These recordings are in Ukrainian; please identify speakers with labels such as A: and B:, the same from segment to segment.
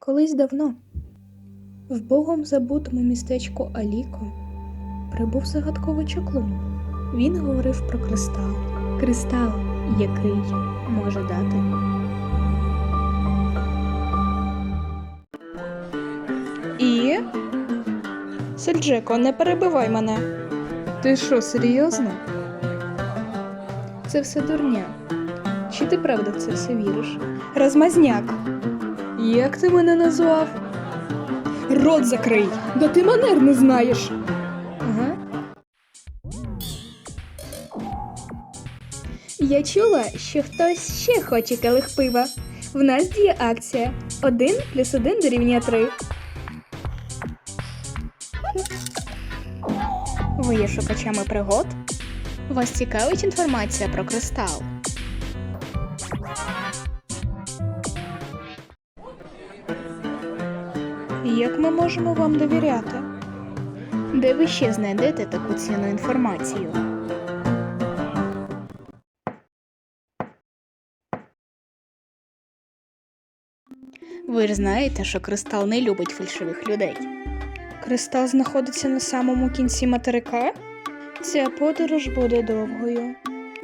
A: Колись давно в богом забутому містечку Аліко прибув загадковий чаклун. Він говорив про кристал. Кристал, який може дати. І? Сельджеко, не перебивай мене. Ти що, серйозно? Це все дурня. Чи ти правда в це все віриш? Розмазняк. Як ти мене назвав? Рот закрий! Да ти манер не знаєш. Ага. Я чула, що хтось ще хоче келих пива. В нас діє акція. 1+1 дорівнює 3. Ви є шукачами пригод? Вас цікавить інформація про кристал? Як ми можемо вам довіряти? Де ви ще знайдете таку цінну інформацію? Ви ж знаєте, що кристал не любить фальшивих людей. Кристал знаходиться на самому кінці материка? Ця подорож буде довгою.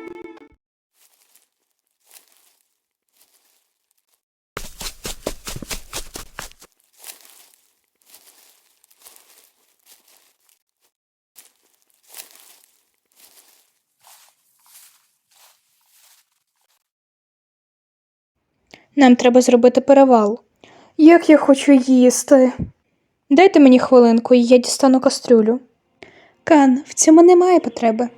A: Нам треба зробити перевал. Як я хочу їсти. Дайте мені хвилинку, і я дістану кастрюлю. Кан, в цьому немає потреби.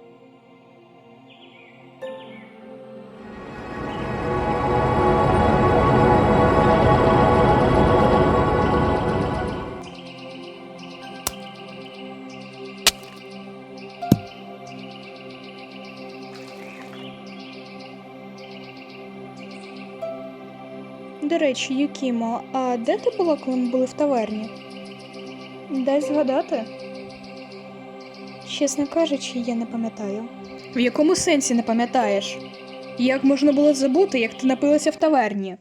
A: До речі, Юкімо, а де ти була, коли ми були в таверні? Дай згадати. Чесно кажучи, я не пам'ятаю. В якому сенсі не пам'ятаєш? Як можна було забути, як ти напилася в таверні?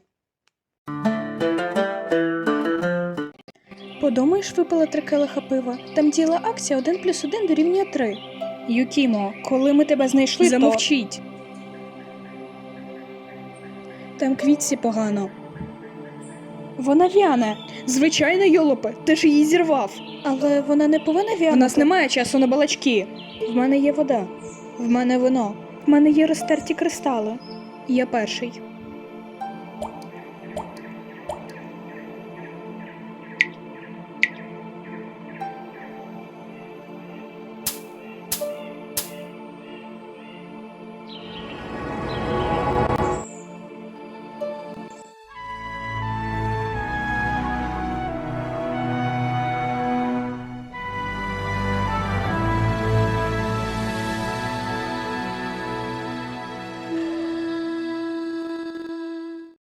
A: Подумаєш, випила 3 келиха пива. Там діяла акція 1+1 дорівнює 3. Юкімо, коли ми тебе знайшли, замовчіть. Там квітці погано. Вона в'яне. Звичайно, йолопе, ти ж її зірвав. Але вона не повинна в'янути. У нас немає часу на балачки. В мене є вода. В мене вино. В мене є розтерті кристали. Я перший.